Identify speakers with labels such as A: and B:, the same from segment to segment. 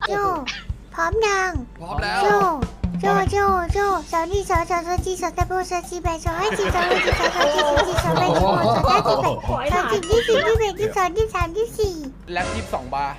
A: โจพร้อมยัง
B: พร้อมแล้ว
A: โจโจสาวนี่สาวจีสาวตะโบสาวจีแบสาวให้จีสาวให้จีสาวจีสาวแบสาวสาวจีแบสาวจีที่สี่ที่แบที่สองที่สามที่สี่
B: แล็บ22 บาร์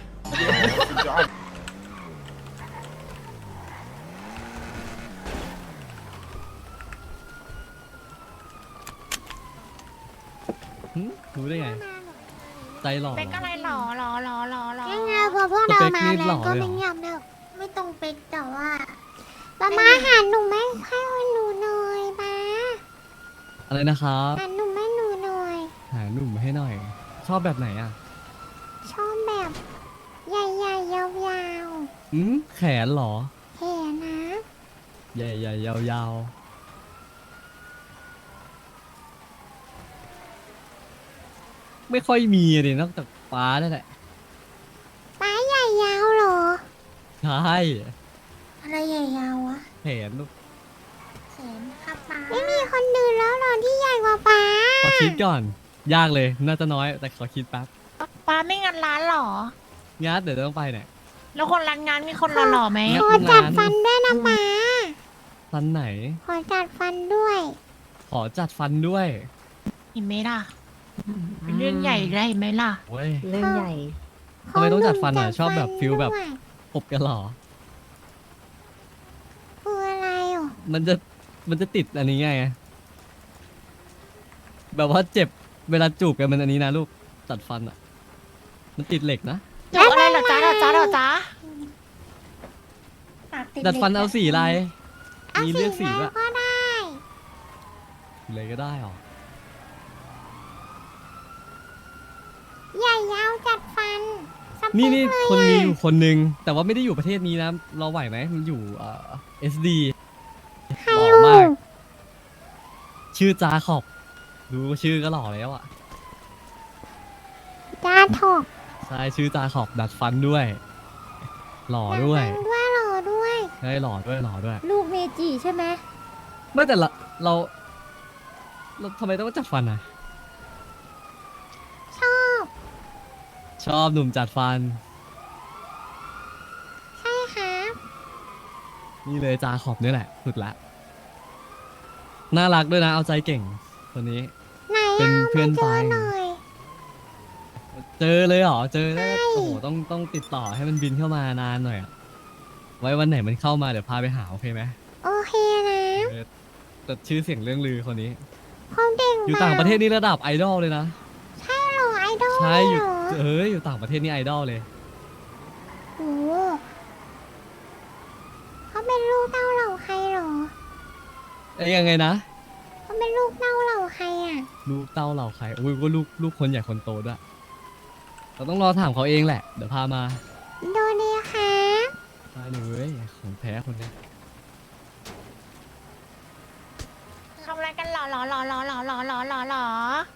C: รู้ได้ไง ใจหล่อ
D: เป็นอะไรหรอ
A: ยังไงพอพวกเรามาแล้วก็ไม่เงียบเนอะไม่ต้องเป็นแต่ว่าป้ามาหาหนูไหมให้หนูหน่อยป้า
C: อะไรนะครับ
A: หาหนูไม่หนูหน่อย
C: หาหนุ่มให้หน่อย ชอบแบบไหนอ่ะ
A: ชอบแบบใหญ่ๆยาว
C: แขนเหรอ
A: ๆเห็นนะ
C: ใหญ่ๆยาวๆไม่ค่อยมีเลยนอกจากฟ้านั่นแหละ
A: ป้าใหญ่ยาวเหรอ
C: ใช่
A: อะไรใหญ่ยาววะ
C: แขนลูก
A: แขนค่ะป้าไม่มีคนดื่นแล้วเหรอที่ใหญ่กว่าป้า
C: ขอคิดก่อน ยากเลยน่าจะน้อยแต่ขอคิดแป๊บ
D: ป้าไม่งานร้านหรอ
C: งั้นเดี๋ยวต้องไปเนี่ย
D: แล้วคนร้านงานมีคนหล่อๆไหม
C: งั้
A: ขอจัดฟันด้วยนะป้า
C: ฟันไหน
A: ขอจัดฟันด้วย
C: ขอจัดฟันด้วย
D: เห็นไหมล่ะเป็นเรื่องใหญ่ได้ไหมล่ะ
C: เว้ย
E: เรื่องใหญ่
C: ทำไมต้องจัดฟันอ่ะ
A: ขห
C: ชอบแบบฟิลแบบ
A: ด้วย
C: ขบกันเหรอ
A: คืออะไรอ่ะ
C: มันจะติดอันนี้ไง แบบว่าเจ็บเวลาจูบกันมันอันนี้นะลูกจัดฟันอ่ะ มันติดเหล็กนะ
D: จบอะไรเหรอจ๊ะ
C: ดัดฟันเอาสีอะไร
A: เอา
C: มี
A: สี
C: เลือกสี
A: อะไร
C: ด้วย
A: ก็ได้
C: เลยก็ได้หรอ
A: ใหญ่ยาวจัดฟันสเป
C: นี่
A: เลย
C: คนมี
A: อะ
C: อยู่คนหนึ่งแต่ว่าไม่ได้อยู่ประเทศนี้นะ เราไหวไหมมันอยู่SD
A: ใคร
C: หล่อ
A: อยู่
C: มาก ชื่อจาขอบดูชื่อก็หล่อแล้วอ่ะ
A: จ้าถอก
C: ใช่ชื่อจาขอบดัดฟันด้วย หล่อด้วย
A: ดัดฟันด้วยหล่อด้วย
C: ใช่หล่อด้วยหล่อด้วย
E: ลูกเมจิใช่ไหม
C: ไม่แต่เราทำไมต้องจัดฟันอ่ะ
A: ชอบ
C: ชอบหนุ่มจัดฟัน
A: ใช่ครับ
C: นี่เลยจาขอบนี่แหละสุดละ น่ารักด้วยนะ เอาใจเก่งคนนี้
A: ไหน
C: เป็น
A: อ่ะ
C: เพื่อน
A: มาเจ
C: ไป
A: อหน่อย
C: เจอเลยเหรอ เจอได้
A: ใช่
C: โอ้โหต้องติดต่อให้มันบินเข้ามานานหน่อยอะไว้วันไหนมันเข้ามาเดี๋ยวพาไปหาโอเคไหม
A: โอเคนะ
C: เออแต่ชื่อเสียงเรื่องลือคนนี้
A: เขาเด็ก
C: อยู่ต่างประเทศนี่ระดับไอดอลเลยนะ
A: ใช่เหรอไอดอล
C: ใช่อยู่
A: เหรอ
C: อยู่ต่างประเทศนี่ไอดอลเลย
A: โอ้เขาเป็นลูกเต้าเหล่าใครเหรอ
C: เอ้ยยังไงนะ
A: เขาเป็นลูกเต้าเหล่าใครอ่ะ
C: ลูกเต้าเหล่าใครอุ้ยก็ลูกคนใหญ่คนโตด้วย เราต้องรอถามเขาเองแหละ เดี๋ยวพามา
A: โดเดียครับ
C: ได้เลยของแท้คนนี้
D: ทำอะไรกันหรอ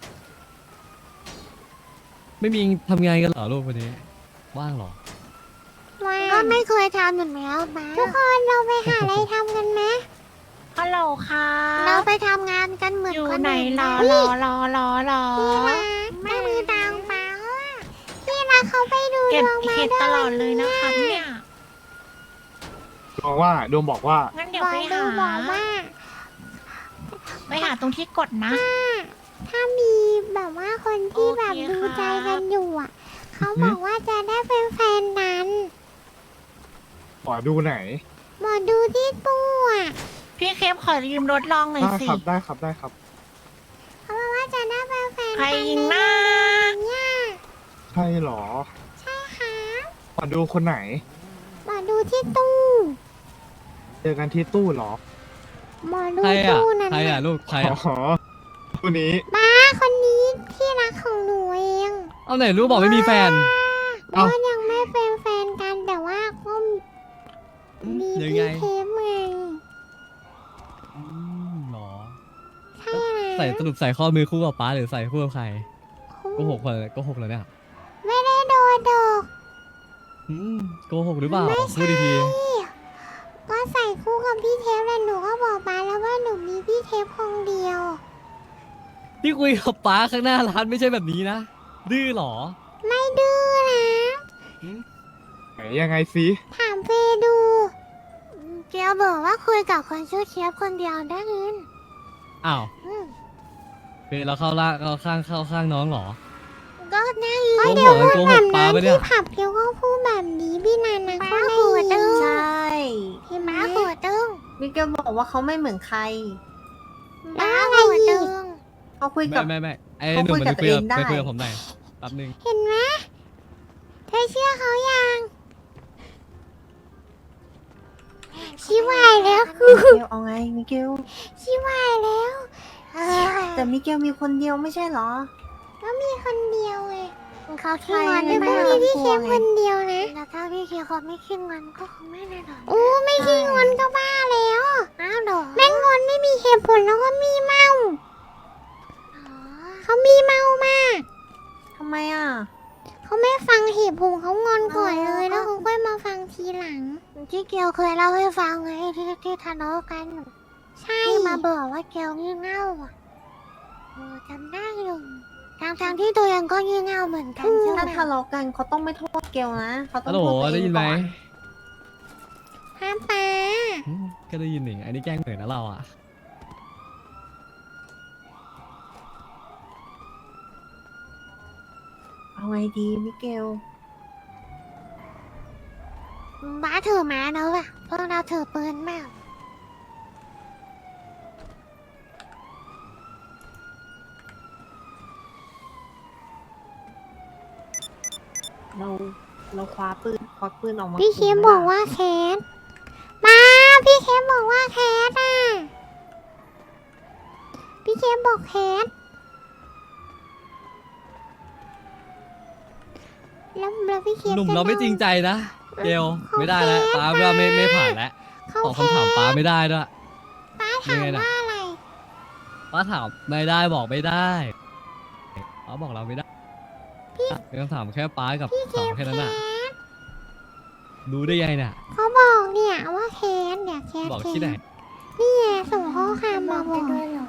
C: ไม่มีทำงานกันเหรอลูกคนนี้ ว่างเหรอ
A: ก็ไม่เคยทำเหมือนแล้วป้าทุกคนเราไปหาอะไรทำกันไหม
D: ฮัลโหลค่ะ
A: เราไปทำงานกันเหมือน
D: อยู่
A: คน
D: ไหน
A: อื่น
D: หรอ
A: เฮ้ย
D: พี่
A: พี่รักไม่มีตังค์ป้าพี่รักเขาไปดู
D: เก็
A: ด
D: บ
A: วงมา
D: เห็ด
A: ด้วย
D: ตลอดเลยนะครับเนี่ย
F: ดวงบอกว่า
D: งั้นเดี๋ยว
A: บอก
D: ไป
A: ดู
D: หา
A: บอกว่า
D: ไปหาตรงที่กดนะ
A: ถ้ามีแบบว่าคนที่แบบ
D: โอเค
A: ดูใจ
D: ครั
A: กับ นอยู่อ่ะ เขาบอกว่าจะได้เป็นแฟนนั้น
F: ขอดูไหน
A: หมอดูที่ตู้อ่ะ
D: พี่เคฟขอยืมรถลองหน่อย
F: ได้
D: สิ
F: ครับได้ครับได้ครับ
A: เขาบอกว่าจะได้เป็นแฟน
D: ใคร
A: กัน
D: ยิงหน้า
A: เนี่ย
F: ใช่เหรอ
A: ใช่ค่ะ
F: ขอดูคนไหน
A: หมอดูที่ตู้
F: เจอกันที่ตู้เหรอ
A: หมอดู
C: ใครอ่ะ
A: ตู้นั่น
C: ใครอ่ะ
A: น่ะ
C: ลูก ใคร
F: อ๋
C: อ่ะ
F: อตู้นี้
A: ป้าคนนี้ที่รักของหนูเอง
C: เอาไหนลูกบอกไม่มีแฟน
A: เอ้ายังไม่เป็นแฟนกันแต่ว่าก็มี
C: ยัง
A: พี่
C: ไง
A: เทปไง
C: หรอ
A: ใช่นะ
C: ใส่สรุปใส่ข้อมือคู่กับป้าหรือใส่คู่กับใครโกหกเลยแล้วเนี่ย
A: ไม่ได้โดนดอก
C: โกหกหรือเปล่าพูดดี
A: ก็ใส่คู่กับพี่เทปแล้วหนูก็บอกป้าแล้วว่าหนูมีพี่เทปคนเดียว
C: ๆที่คุยกับป้าข้างหน้าร้านไม่ใช่แบบนี้นะ ดื้อหรอ
A: ไม่ดื้อนะ
C: หืม
F: ไหนยังไงสิ
A: ถามเฟย์ดูเกียวบอกว่าคุยกับคนชื่อเชียบคนเดียวได้ยิน
C: อ้าว
A: อืม
C: เฟยเราเข้าล่างเราเข้าข้างน้องเหรอ
A: ก็ได้ยิน
C: โก
A: เดี๋ยว
C: หก
A: พูด
C: โกห
A: แบ
C: ก
A: บ
C: ปลา
A: นั้น
C: ปะเนี่
A: ที่
C: ย
A: ผับเกียวก็พูดแบบนี้พี่นันนะก็ได้ยิน
B: ใช่
A: พี่ม้าหัวตึง
B: มิเกลบอกว่าเขาไม่เหมือนใคร
A: ม้าหัวตึง
B: เขาคุยกับ
C: ไม่ไอ้
B: เขา
C: หนุ่ม
B: คุย
C: มัน
B: กับ
C: ไปคุยกับ
B: ตัวเองได้
C: ไปคุยกับผมหน่อยแป๊บนึง
A: เห็นไหมเธอเชื่อเขายังชิวายแล้ว
B: มิเกลเอาไงมิเกล
A: ชิวายแล้ว
B: แต่มิเกลมีคนเดียวไม่ใช่เหรอ
A: ก็มีคนเดียวไงเขาขี้
B: ใครง
A: อน
B: ไม่
A: ด้วย
B: น่า
A: ก็มีพี่
B: กลั
A: เคว ม
B: ไง
A: คนเดียวนะแล้วถ้าพี่เคียวเขาไม่ขี้งอนก็คงไม่ได้หรอกโอ้ไม่ขี้งอนก็บ้าแล้วอ้าวหรอแม่งงอนไม่มีเหตุผลแล้วก็มีเมาเขามีเมามาก
B: ทำไมอ่ะ
A: เขาไม่ฟังเหตุผลเขางอนก่อนเลยแล้วเขาค่อยมาฟังทีหลังที่เกียวเคยเล่าให้ฟังไงที่ทะเลาะกัน ใช่มาบอกว่าเกียวงี่เง่าอ่ะจำได้อยู่ทางที่ตัวเองก็งี่เง่าเหมือนกันใช่ไหม
B: ถ้าทะเลาะกันเขาต้องไม่โทษเกลนะเขาต้อ
C: ฮั
B: ง
C: ลโหล
B: โทษตัวเอง
C: ได้ยินไหม
B: ก่อน
A: ห้ามป้า
C: ก็ได้ยินหนิอันนี้แกล้งเหนื่อยนะเราอ่ะ
B: เอาไงดีมิเกล
A: บ้าถือม้าแล้วอะพวกเราถือปืนมาก
B: เราคว้าปืนควักปืนออกมา
A: พี่เค
B: ขู่
A: ม
B: ไห
A: บอก
B: ล่ะ
A: ว่าแคทมาพี่เคมบอกว่าแคทอ่ะพี่เคมบอกแคทแล้วพี่เคม
C: หนุ่ม
A: จะ
C: เราไม่จริงใจนะเกลไม่ได้แล้ว
A: เขา
C: ป้า
A: แพ้
C: ว่าไม่ผ่านแล้ว
A: เขา
C: ตอบ
A: แพ้
C: คำถามป้าไม่ได้ด้วย
A: ป้าถาม
C: ยังไงน่ะ
A: ว่าอะไร
C: ป้าถามไม่ได้บอกไม่ได้ป้าบอกเราไม่ได้เป็นคำถามแค่ป้ากับถามแค่นั้นน่ะรู้ได้ไงเนี่ย
A: เขาบอกเนี่ยว่าแคทเนี่ยแคท
C: บอกที่ไหน
A: นี่ไงส่งข้อความมาบอก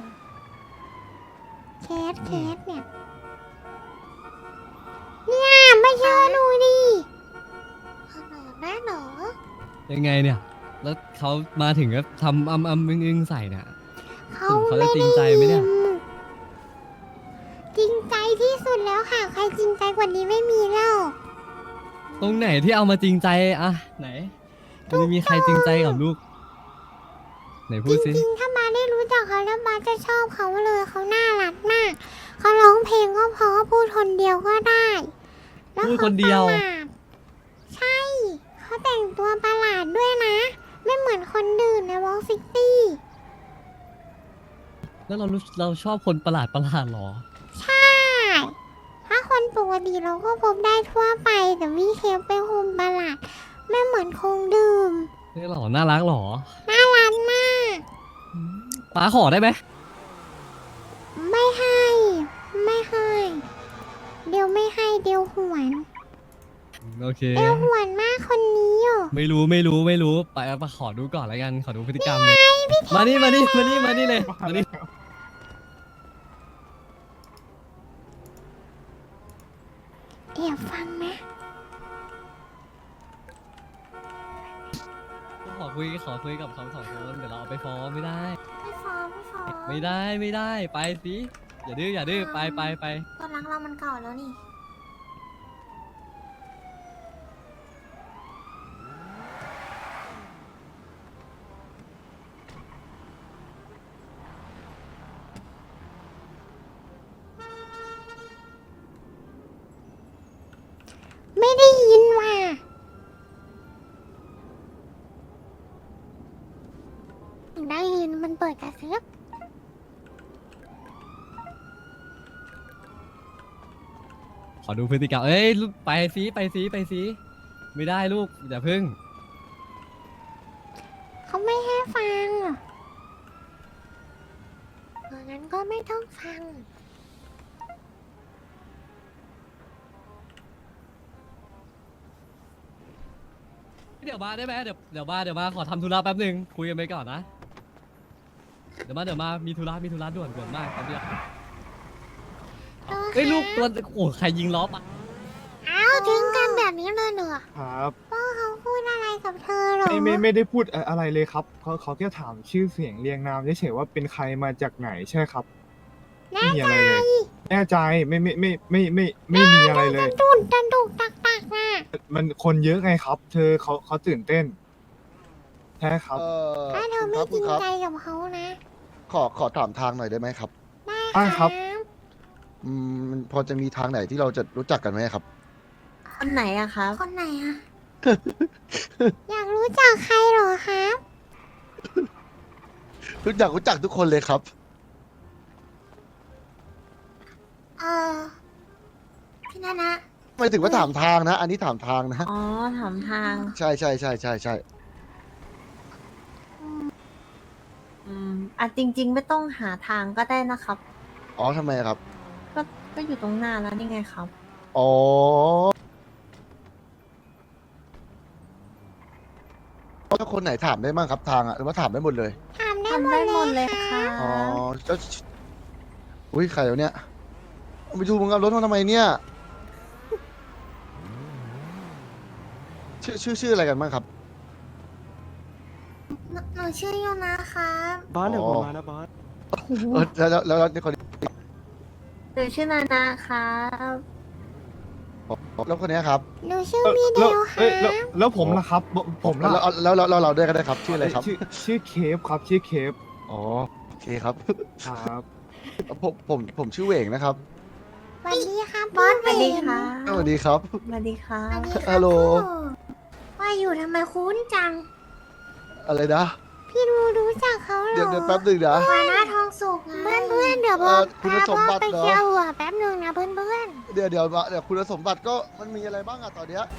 A: แคทเนี่ยเนี่ยไม่เชื่อดูดิหน้าหนอ
C: ยังไงเนี่ย แล้วเขามาถึงก็ทำอึ้งใส่เนี่ย
A: เขา
C: เขาจะจริงใจไหมเนี่ย
A: จริงใจที่สุดแล้วค่ะ ใครจริงใจกว่านี้ไม่มีแล้ว
C: ตรงไหนที่เอามาจริงใจอะไหนมันจะมีใครจริงใจกับลูก ไหนพู
A: จ
C: ดสิ
A: ริงๆถ้ามาได้รู้จักเขาแล้วมาจะชอบเขาเลยเขาน่ารักมากเขาร้องเพลงก็เพราะพูดคนเดียวก็ได้แล้ว
C: พูดคนเดียว
A: ขาประหลาดใช่เขาแต่งตัวประหลาดด้วยนะ ไม่เหมือนคนอื่นในวอลซิตี้
C: แล้วเราชอบคนประหลาดหรอ
A: ใช่ ถ้าคนปกติเราก็พบได้ทั่วไป แต่วิเคปเป็นคนประหลาด ไม่เหมือนคงดื่ม
C: นี่หรอน่ารักหรอ
A: น่ารักมาก
C: ป้าขอได้ไหม
A: ไม่ให้ ไม่ให้ เดี๋ยวไม่ให้เดี๋ยวหวน
C: โอเค
A: เดี๋ยวหวนมากคนนี้อยู่
C: ไม่รู้ไปขอดูก่อนแล้วกันขอดูพฤติกรรมเลยมานี่เลยมานี่
A: เดี๋ยวฟังนะ
C: ขอคุยกับเขา2 คนเดี๋ยวเราเอาไปฟ้องไม่ได้
A: ไม่ฟ้องไม่ฟ้อง
C: ไม่ได้ไปสิอย่าดื้อไป
A: ตอนรักเรามันเก่าแล้วนี่ ไม่ได้ยินว่ะได้ยินมันเปิดกระซิบ
C: ขอดูพฤติกรรมเอ้ยไปสิไม่ได้ลูกอย่าพึ่ง
A: เขาไม่ให้ฟังงั้นก็ไม่ต้องฟัง
C: เดี๋ยวมาได้ไหมเดี๋ยวมาขอทำธุระแป๊บหนึงคุยกันไปก่อนนะเดี๋ยวมามีธุระด่วนมากครับเนี่ยเฮ้ยลูกตัวโอ้ใครยิงล้อปะ
A: อ้าวทิ้งกันแบบนี้เลยเหรอ
F: ครับ
A: ป้าเหรอ
F: ไม่ได้พูดอะไรเลยครับเขาแค่ถามชื่อเสียงเรียงนามเฉยๆว่าเป็นใครมาจากไหนใช่ครับไม่มีอะไรเลย แน่ใจไม่มีอะไรเลย
A: ตุ่นตันตุกตักตักน่ะ
F: มันคนเยอะไงครับ เธอเขาตื่นเต้นใช่ครับ
A: ถ้าเธอไม่จริงใจกับเขานะ
E: ขอถามทางหน่อยได้ไหมครับ
A: ได้
F: ครับ
E: มันพอจะมีทางไหนที่เราจะรู้จักกันไหมครับ
B: คนไหนอะครับ
A: คนไหนอะ อยากรู้จักใครเหรอครับ
E: รู้จักทุกคนเลยครับ
A: พี่นานะ
E: ไม่ถึงว่าถามทางนะ อันนี้ถามทางนะ
B: อ๋อ ถามทาง
E: ใช่ใช่ใช่ใช่ใช่
B: จริง ๆ ไม่ต้องหาทางก็ได้นะครับ
E: อ๋อทำไมครับ
B: ก็อยู่ตรงหน้าแล้วนี่ไงครับ
E: อ๋อถ้าคนไหนถามได้บ้างครับทางอะหรือว่าถามได้หมดเลย
A: ถามได้
B: ทำ
A: หม
B: ได้
A: ด
B: หมด
A: เล
B: เลย ย
A: ค่ะ
B: ค่ะ
E: อ๋อแล้วอุ้ยใครวะเนี่ยไปดูมึงเอารถมาทำไมเนี่ย ชื่ออะไรกันบ้างครับ
A: หนูชื่อโยนะครับ
G: บอสเดี๋ยว
E: อ๋
G: ผ
E: อ
G: มมานะบอส
E: แล้วคนนี้
B: หนูชื่อนานาครับ
E: แล้วคนเนี้ยครับ
A: หนูชื่อพี่เด
F: แล้ว
A: ลครั
F: แล้วผมล่ะครับ ผมล่ะ
E: แล้วเราด้วยก็ได้ครับ ชื่ออะไรครับ
F: ชื่อเคฟครับชื่อเคฟ
E: อ๋อโอเคครับ
F: ครับ
E: ผมชื่อเหวงนะครับ
A: สวัสดีครับบอส
B: สวัสดีค่ะ
E: สวัสดีครับ
B: สวัสดีค่ะ
A: สวัสดีครับ
E: ฮัลโหล
A: ว่าอยู่ทำไมคุ้นจัง
E: อะไรนะ
A: พี่รู้จักเขาเหรอ
E: เดี๋ยวแป๊บหนึ่งนะ
A: วานาทองสุกเพื่อนเดี๋ยวพ่อ
E: คุณ
A: พา
E: สม
A: พ่อ
E: บัติ
A: ไป
E: เหรอ
A: เที่ยวอ่ะแป๊บหนึงนะเพื่อน
E: เดี๋ยวคุณสมบัติก็มันมีอะไรบ้างอะตอนเนี้ย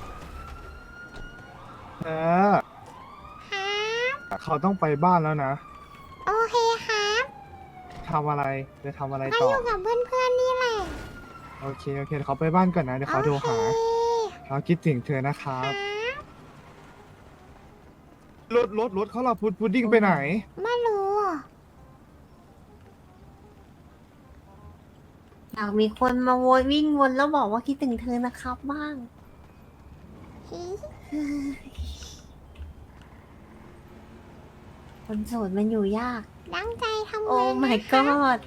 A: ครับ
F: เขาต้องไปบ้านแล้วนะ
A: โอเคครับ
F: ทำอะไรจะทำอะไร
A: ก็
F: ต่
A: อ
F: อยู่
A: กับเพื่อนนี่แหละ
F: โอเคเดี๋ยวเขาไปบ้านก่อนนะเดี๋ยวเขาโทรหา
A: โอเค
F: เขาคิดถึงเธอนะครับ รถเขาล่ะพุดดิ้งไปไหน
A: ไม่รู้อ่ะ
B: อยากมีคนมาโวยวิ่งวนแล้วบอกว่าคิดถึงเธอนะครับบ้าง คนโสดมันอยู่ยาก
A: ตั้งใจทำ
B: โอ้
A: งาน
B: my
A: นะคะ
B: god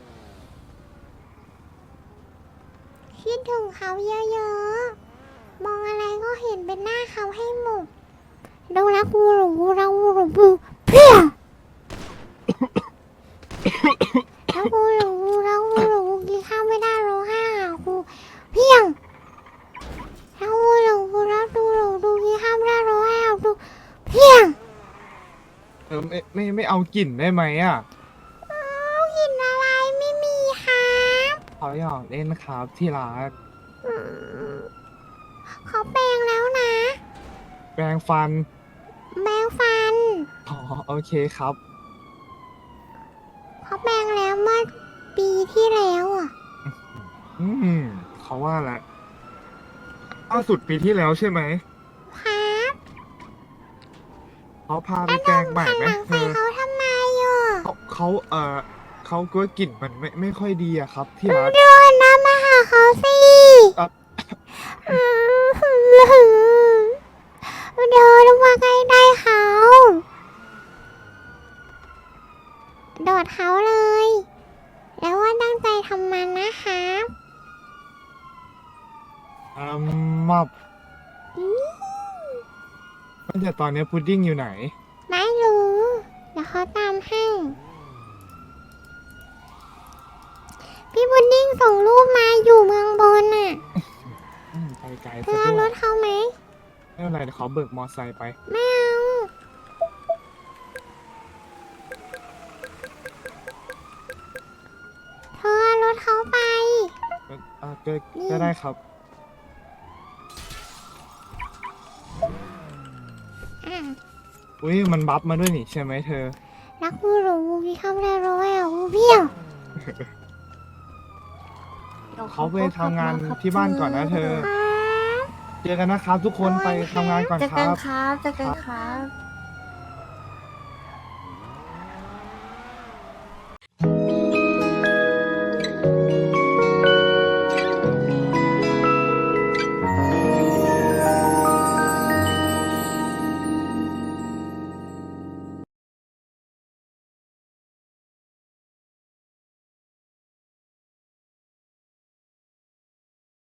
A: คิดถึงเขาเยอะๆ มองอะไรก็เห็นเป็นหน้าเขาให้หมดดูรักกูหลงกูรักกูหลงกูเพี้ยรักกูหลงกูรักกูหลงกูกินข้าวไม่ได้ร้องไห้หากูเพี้ยงรักกูหลงกูรักกูหลงกูกินข้าวไม่ได้ร้องไห้หากูเพี้ยง
F: ไม่เอากลิ่นได้ไหมอ่ะ
A: เอากินอะไรไม่มีครับ
F: เขาอยากเล่นครับที่รัก
A: อืมเขาแปลงแล้วนะ
F: แปรงฟัน
A: แปลงฟัน
F: อ๋อโอเคครับ
A: เขาแปลงแล้วเมื่อปีที่แล้วอ่ะ
F: เขาว่าแหละล่าสุดปีที่แล้วใช่ไหม
A: ครับ
F: เขาพาไปแปรงใหม่
A: หัน
F: ไหม
A: หลัง
F: เธ
A: ใส่
F: อ
A: เขาทำไมอ่ะ
F: เขาก็กลิ่นมันไม่ค่อยดีอะครับ ที่รัก
A: เดินนะมาหาเขาสิ
F: อ่ะ
A: เดินมาใกล้ๆเขาโดดเขาเลย แล้วว่าตั้งใจทำมันนะครับ
F: มับ
A: อืม
F: แต่ตอนนี้พุดดิ้งอยู่ไหน
A: ไม่รู้เดี๋ยวเขาตามให้ พี่บุดดิ้งส่งรูปมาอยู่เมืองบนน่ะ
F: ไปไกล
A: เธ
F: ซะ
A: อเอา
F: ด้
A: ร
F: วย
A: ถเขาไหม
F: ไม่เป็นไรเดี๋ยวเขาเบิกมอไซค์ไป
A: ไม่เอาเธอเอารถเขาไป
F: ก็ได้ครับ
A: อ่ะ
F: อุ้ยมันบัฟมาด้วยนี่ใช่ไหมเธอ
A: รักกูหลงกูกินข้าวไม่ได้ร้อยอ่ะกูเบี้ยว
F: เขาไปทำงานที่บ้านก่อนนะเธอ
A: ครับ
F: เจอกันนะครับทุกคนไปทำงานก่อน
B: เจอ
F: ค
B: กัน
F: รับ
B: ครับเจอกันครับ